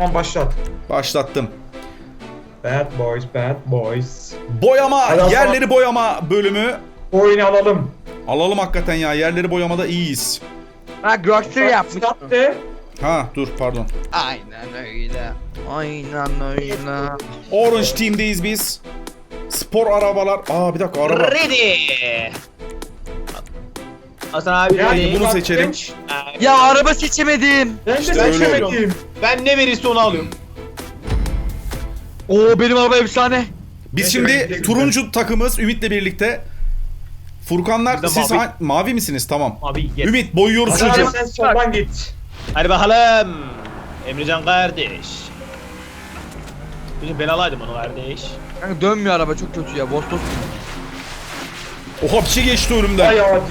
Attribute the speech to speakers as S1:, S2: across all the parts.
S1: Tamam başlat.
S2: Başlattım.
S1: Bad boys, bad boys.
S2: Boyama,
S1: Hadi
S2: yerleri boyama bölümü.
S1: Oyunu alalım.
S2: Alalım hakikaten ya, yerleri boyamada iyiyiz.
S3: Ha Grokster yapmış.
S1: Sattı.
S2: Ha dur pardon.
S3: Aynen öyle. Aynen öyle.
S2: Orange Team'deyiz biz. Spor arabalar. Aa bir dakika araba.
S4: Ready. Hasan abi
S1: Yani
S4: ready.
S2: bunu
S1: bak,
S2: seçelim.
S1: genç.
S3: Ya araba seçemedim.
S1: Ben de
S2: İşte öyle
S1: seçemedim.
S4: Ben ne verirse onu alıyorum.
S3: Oo benim araba efsane.
S2: Biz
S1: Neyse,
S2: şimdi
S1: bekle,
S2: turuncu takımız Ümit'le birlikte. Furkanlar
S4: Biz de
S2: siz
S4: mavi.
S2: mavi misiniz? Tamam.
S4: Abi gel.
S2: Ümit boyuyoruz
S1: Hasan abi
S2: çocuğum.
S1: sen soldan git.
S4: Hadi bakalım. Emrecan kardeş. Bugün ben alaydım onu kardeş.
S3: Kanka dönmüyor araba çok kötü ya. Boss boss.
S2: Oha bir şey geçti önümden.
S1: Ay hadi.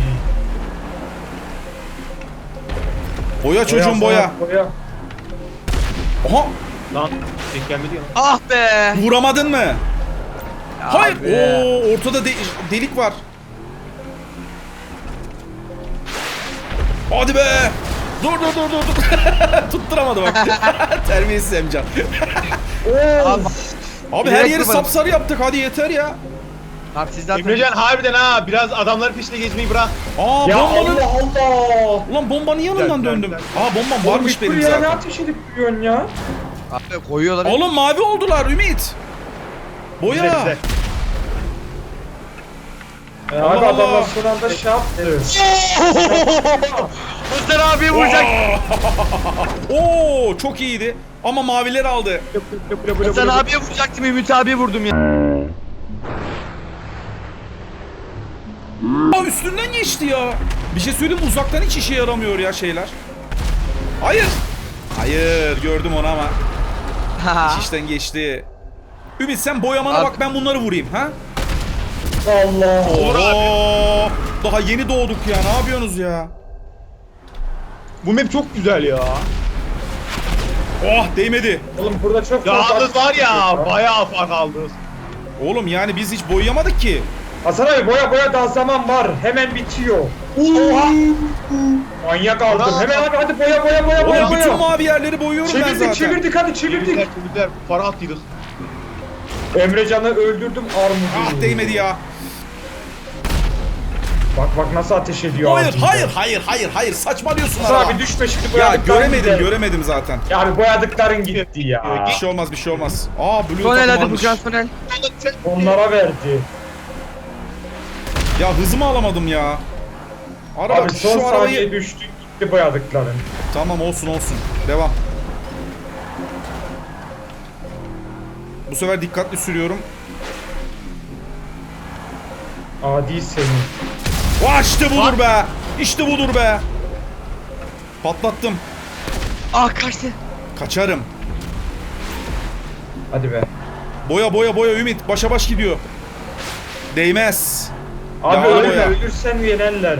S2: Boya çocuğum boya.
S1: Boya.
S2: Oha
S4: Lan tek gelmedi ya.
S3: Ah be.
S2: vuramadın mı?
S3: Ya
S2: Hayır.
S3: abi.
S2: Oo ortada delik var. Hadi be. Dur. Tutturamadı bak. Terbiyesiz Emcan.
S3: Abi,
S2: Abi her yeri sapsarı yaptık, hadi yeter ya.
S3: abi siz zaten.
S4: Emrecan harbiden ha biraz adamların peşinde gezmeyi bırak.
S2: Aa
S1: Ya
S2: bombanın...
S1: Allah Allah.
S2: Ulan bombanın yanından
S4: Güzel,
S2: döndüm.
S4: güzel.
S2: Aa bombam varmış benim
S1: Ya ne
S2: zaten.
S1: ateş edip duruyorsun ya?
S3: Abi koyuyorlar.
S2: Oğlum mavi oldular Ümit. Boya.
S4: Güzel, güzel.
S1: Abi
S2: Allah
S1: adamlar
S2: Allah.
S1: son anda şey yaptı.
S3: Mustafa abi vuracak.
S2: Oo çok iyiydi. Ama maviler aldı.
S3: Hasan abiye vuracaktım, Ümit abiye vurdum ya.
S2: Aa üstünden geçti ya. Bir şey söyleyeyim mi? Uzaktan hiç işe yaramıyor ya şeyler. Hayır. Hayır gördüm onu ama. İş işten geçti. Ümit sen boyamana
S3: Abi-
S2: bak, ben bunları vurayım ha.
S1: Allah.
S2: Oo. Daha yeni doğduk ya, ne yapıyorsunuz ya?
S4: Bu map çok güzel ya.
S2: Oh değmedi.
S1: Oğlum burada çok
S4: Yalnız var ya bayağı fark aldı.
S2: Oğlum yani biz hiç boyayamadık ki.
S1: Hasan abi boya daha zaman var. Hemen bitiyor. Oha. Manyak aldım.
S4: Bravo.
S1: Hemen abi hadi boya
S2: Oğlum bütün mavi yerleri boyuyorum ben zaten.
S1: Çevirdik hadi çevirdik.
S4: Çevirdiler. Para attıydık.
S1: Emrecan'ı öldürdüm armudu.
S2: Ah değmedi ya.
S1: Bak nasıl ateş ediyor.
S2: Hayır saçmalıyorsun
S1: Hasan
S2: araba.
S1: abi düşme şimdi
S2: Ya
S1: boyadıkların gider.
S2: göremedim zaten.
S1: Ya abi boyadıkların gitti ya.
S2: Bir şey olmaz. Aa blue
S3: Sonel
S2: takım
S3: hadi
S2: almış.
S3: Furkan Sonel.
S1: Onlara verdi.
S2: Ya hızımı alamadım ya. Araba
S1: Abi son
S2: şu
S1: saniye
S2: arabayı...
S1: düştü gitti boyadıkların.
S2: Tamam olsun. Devam. Bu sefer dikkatli sürüyorum.
S1: Adi senin.
S2: Vah işte budur be. İşte budur be. Patlattım.
S3: Ah kaçtı.
S2: Kaçarım.
S1: Hadi be.
S2: Boya Ümit. Başa baş gidiyor. Değmez.
S1: Abi
S2: Ya
S1: ölme
S2: boya.
S1: ölürsen yenerler.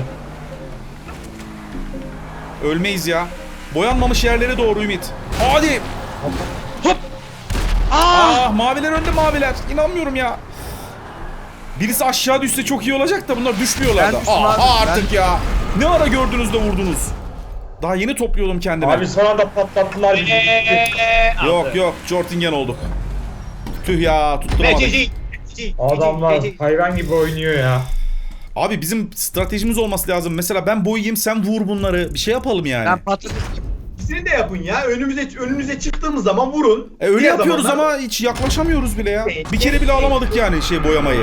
S2: Ölmeyiz ya. Boyanmamış yerlere doğru Ümit. Hadi. Hop. Ah maviler önde maviler. İnanmıyorum ya. Birisi aşağı düşse çok iyi olacak da bunlar düşmüyorlar
S3: Ben
S2: da.
S3: düştüm
S2: Aha
S3: abi,
S2: artık ya. Ne ara gördünüz de vurdunuz. Daha yeni topluyordum kendimi.
S1: Abi son anda patlattılar bizi.
S2: Yok Jortingen olduk. Tüh ya tutturamadık.
S1: Adamlar hayvan gibi oynuyor ya.
S2: Abi bizim stratejimiz olması lazım. Mesela ben boyayayım sen vur bunları. Bir şey yapalım yani.
S3: Ben patladım.
S4: İkisini de yapın ya. Önümüze çıktığımız zaman vurun.
S2: Öyle
S4: Diğer
S2: yapıyoruz
S4: zamanlar-
S2: ama hiç yaklaşamıyoruz bile ya. Bir kere bile alamadık yani şey boyamayı.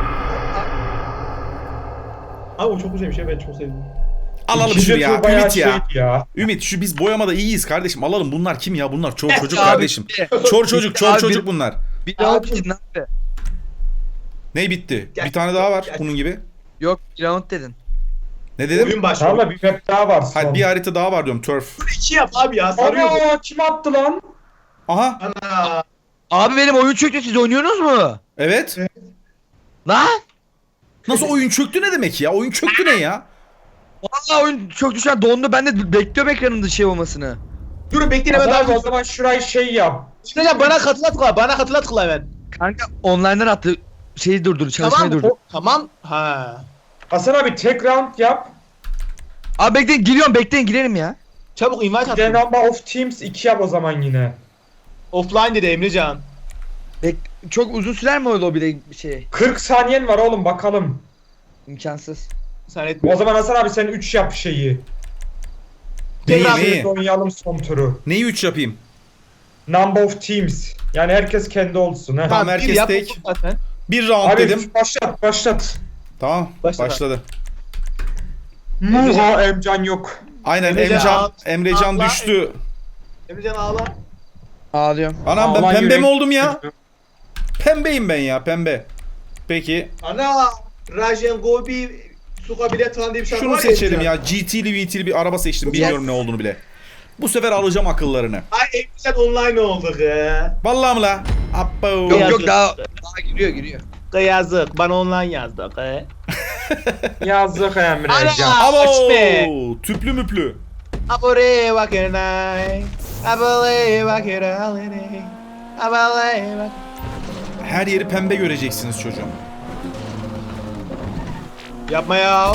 S4: Abi o çok güzel bir şey, ben çok sevdim.
S2: Alalım
S1: İkinci
S2: şunu ya
S1: tur bayağı
S2: Ümit ya.
S1: şey ya.
S2: Ümit şu biz boyamada iyiyiz kardeşim. Alalım bunlar kim ya? Bunlar çor çocuk
S3: Abi,
S2: kardeşim. Çor çocuk
S3: Abi,
S2: bunlar.
S3: Bir round dedin abi.
S2: Ne bitti? Bir tane daha var bunun gibi.
S3: Yok bir round dedin.
S2: Ne dedim?
S4: Oyun başlıyor.
S1: Tamam da bir map daha var son.
S2: Hadi bir harita daha var diyorum turf.
S4: 2 yap abi ya, sarıyor.
S1: Ana kim attı lan?
S2: Aha
S4: Ana.
S3: Abi benim oyun çöktü, siz oynuyorsunuz mu?
S2: evet.
S3: Lan?
S2: Nasıl oyun çöktü ne demek ya? Oyun çöktü ne ya?
S3: Vallahi oyun çöktü şu an, dondu, ben de bekliyorum ekranımda şey olmasını.
S4: Durun bekleyin hemen
S1: Hasan abi
S4: daha.
S1: o zaman şurayı şey yap.
S4: Hocam bana katılat kula hemen.
S3: Kanka online'dan attı, şeyi durdur, çalışmayı
S4: Tamam.
S3: durdur.
S4: Tamam. Ha.
S1: Hasan abi tek round yap.
S3: Abi bekleyin, giriyorum, bekleyin girelim ya.
S4: Çabuk invite
S1: Bir de
S4: at.
S1: number of teams 2 yap o zaman yine.
S4: Offline dedi Emrecan.
S3: Çok uzun sürer mi o lobide şey?
S1: 40 saniyen var oğlum bakalım.
S3: İmkansız.
S4: Sen
S1: O
S4: etmiyor.
S1: zaman Hasan abi sen 3 yap şeyi.
S2: Neyi,
S1: Tekrar
S2: neyi?
S1: oynayalım son turu.
S2: Neyi 3 yapayım?
S1: Number of teams. Yani herkes kendi olsun ha.
S2: Tamam,
S4: bir
S2: herkes
S4: yap,
S2: tek.
S4: zaten.
S2: Bir round
S1: Abi
S2: dedim.
S1: başlat.
S2: Tamam,
S4: Başla.
S2: başladı.
S1: Muha Emcan yok.
S2: Aynen
S4: Emrecan,
S2: Emrecan
S4: Allah-
S2: düştü.
S4: Emrecan ağla.
S3: Ağlıyorum.
S2: Anam ben
S1: Ağlan
S2: pembe mi
S1: yürek.
S2: oldum ya? Pembeyim ben ya, pembe. Peki,
S4: Ana Rajen Gobi Suka bilet falan diye bir şarkı
S2: şunu
S4: var
S2: seçelim
S4: Emrecan.
S2: ya. GT'li VT'li bir araba seçtim. Bilmiyorum ne olduğunu bile. Bu sefer alacağım akıllarını.
S4: Ay Emrecan online olduk ya.
S2: Vallahi mi la? Abbo.
S3: Yok
S4: Yazık.
S3: yok daha giriyor.
S4: Yazık. Bana online yazdık he.
S1: Yazık Emrecan.
S4: Ana!
S2: Abo!
S4: Açme.
S2: Tüplü müplü.
S4: Abore vakiray. Abole vakiray. Abole vak.
S2: Her yeri pembe göreceksiniz çocuğum.
S4: Yapma ya.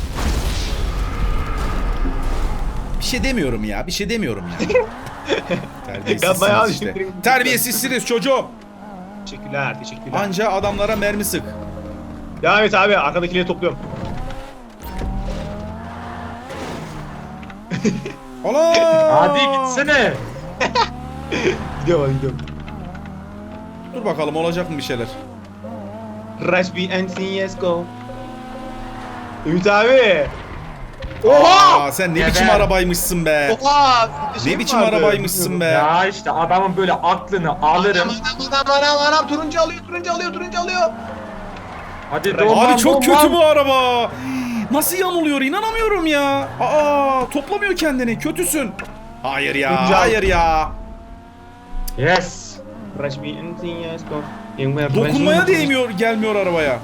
S2: Bir şey demiyorum ya. Bir şey demiyorum ya.
S4: Yapma ya.
S2: Terbiyesizsiniz işte. Terbiyesizsiniz çocuğum.
S4: Teşekkürler. Teşekkürler.
S2: Anca adamlara mermi sık.
S4: Devam et abi. Arkadakileri topluyorum.
S2: Ola!
S1: Hadi gitsene.
S4: Gidiyorum.
S2: Dur bakalım olacak mı bir şeyler?
S4: Rush B and CSGO. Ümit abi. Oha!
S2: Aa, sen ne
S1: Geber.
S2: biçim arabaymışsın be.
S4: Oha!
S2: Ne biçim arabaymışsın be.
S1: Ya işte adamın böyle aklını alırım.
S4: Anam turuncu alıyor.
S1: Hadi
S4: Abi
S1: doğman,
S2: Abi çok
S1: doğman.
S2: kötü bu araba. Nasıl yanılıyor inanamıyorum ya. Aa, toplamıyor kendini, kötüsün. Hayır ya,
S4: Turuncu al.
S2: hayır ya.
S1: Yes.
S4: Rush B and CSGO.
S2: Dokunmaya değmiyor, gelmiyor arabaya.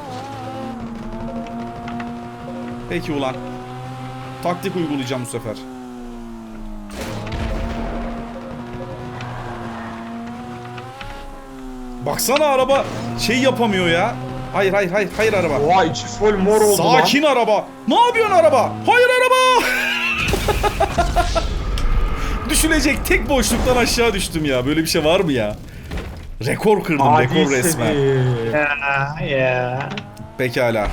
S2: Peki ulan. Taktik uygulayacağım bu sefer. Baksana araba şey yapamıyor ya. Hayır araba.
S1: Oha içi full mor oldu
S2: Sakin araba. Ne yapıyorsun araba? Hayır araba. Düşülecek tek boşluktan aşağı düştüm ya. Böyle bir şey var mı ya? Rekor kırdım,
S1: lan.
S2: rekor resmen.
S4: Ya.
S2: Pekala.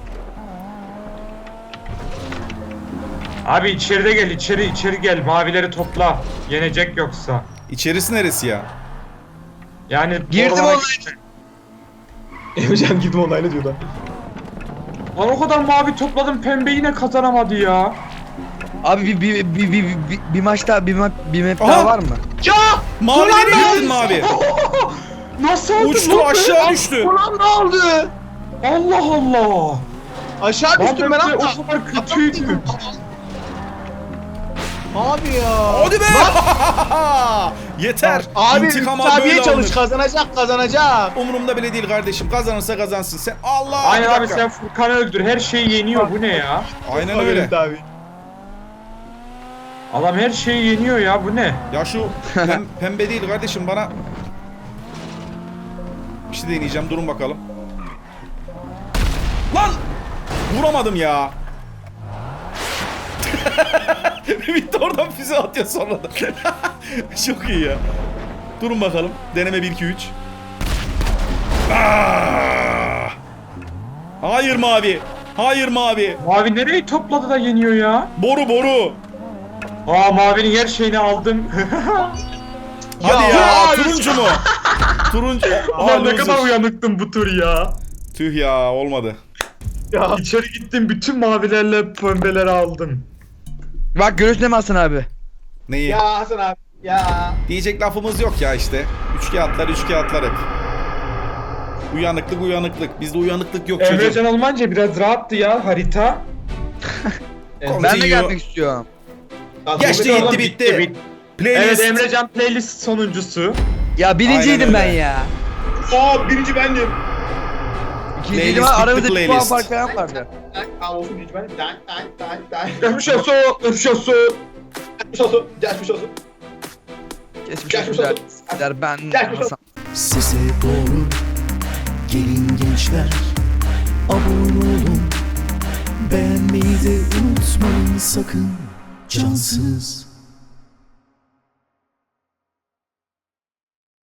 S1: Abi içeride gel içeri gel mavileri topla. Yenecek yoksa.
S2: İçerisi neresi ya?
S1: Yani
S3: Girdim
S1: oralara
S3: online.
S1: gitme.
S4: Emrecan gitme onayla diyor da.
S1: Lan o kadar mavi topladım pembe yine kazanamadı ya.
S3: Abi bir maç daha bir map
S2: Aha!
S3: daha var mı?
S4: Ya!
S2: Mavi
S4: Ulan
S2: nereye
S4: ben-
S2: gittin mavi?
S1: Nasıl oldu?
S2: Uçtu aşağı düştü.
S4: Ulan ne oldu?
S1: Allah Allah.
S4: Aşağı düştüm ben
S1: Lan
S4: ama.
S1: o kadar kötüydü.
S4: Abi ya.
S2: Hadi be! Yeter.
S4: Abi
S2: İntikam al,
S4: abiye
S2: böyle
S4: çalış
S2: alınır.
S4: kazanacak.
S2: Umurumda bile değil kardeşim. Kazanırsa kazansın. Sen Allah.
S1: Aynen
S2: bir
S1: abi
S2: dakika.
S1: sen Furkan'ı öldür her şeyi yeniyor bu ne ya?
S2: Aynen öyle.
S4: Abi.
S1: Adam her şeyi yeniyor ya bu ne?
S2: Ya şu pembe değil kardeşim bana. Bir şey deneyeceğim. Durun bakalım. Lan! Vuramadım ya. Bitti oradan füze atıyor sonra da. Çok iyi ya. Durun bakalım. Deneme 1-2-3. Ah! Hayır mavi. Hayır mavi.
S1: Mavi nereyi topladı da yeniyor ya?
S2: Boru.
S1: Aa mavinin her şeyini aldım.
S2: Hadi ya.
S1: ya,
S2: Turuncu mu? Turuncu.
S1: Ulan ne
S2: loser.
S1: kadar uyanıktım bu tur ya.
S2: Tüh ya olmadı.
S4: Ya.
S1: İçeri gittim bütün mavilerle pembeleri aldım.
S3: Bak görüyorsun değil mi Hasan abi?
S2: Neyi?
S4: Ya Hasan abi. Ya.
S2: Diyecek lafımız yok ya işte. Üç kağıtlar hep. Uyanıklık. Bizde uyanıklık yok çocuğum.
S1: Emrecan olmayınca biraz rahattı ya harita.
S3: Ben de
S2: Continue.
S3: gelmek istiyorum.
S2: Geçti
S1: Oğlum,
S2: bitti. Playlist.
S1: Evet Emrecan playlist sonuncusu.
S3: Ya birinciydim
S2: Aynen
S3: ben
S2: öyle.
S3: ya.
S4: Aa birinci bendim.
S3: İkinciydim
S2: Playlist
S3: ama
S2: bitti,
S3: aramızda bir puan
S2: playlist.
S3: fark falan vardı.
S4: Aa olsun birinci bendim. Dan.
S1: Geçmiş olsun.
S4: Geçmiş olsun.
S3: Geçmiş
S4: Geçmiş
S3: olsun
S4: olsun.
S3: der ben
S4: Geçmiş olsun.
S3: Hasan.
S5: Sese doğru gelin gençler, abone olun, beğenmeyi de unutmayın sakın, cansız.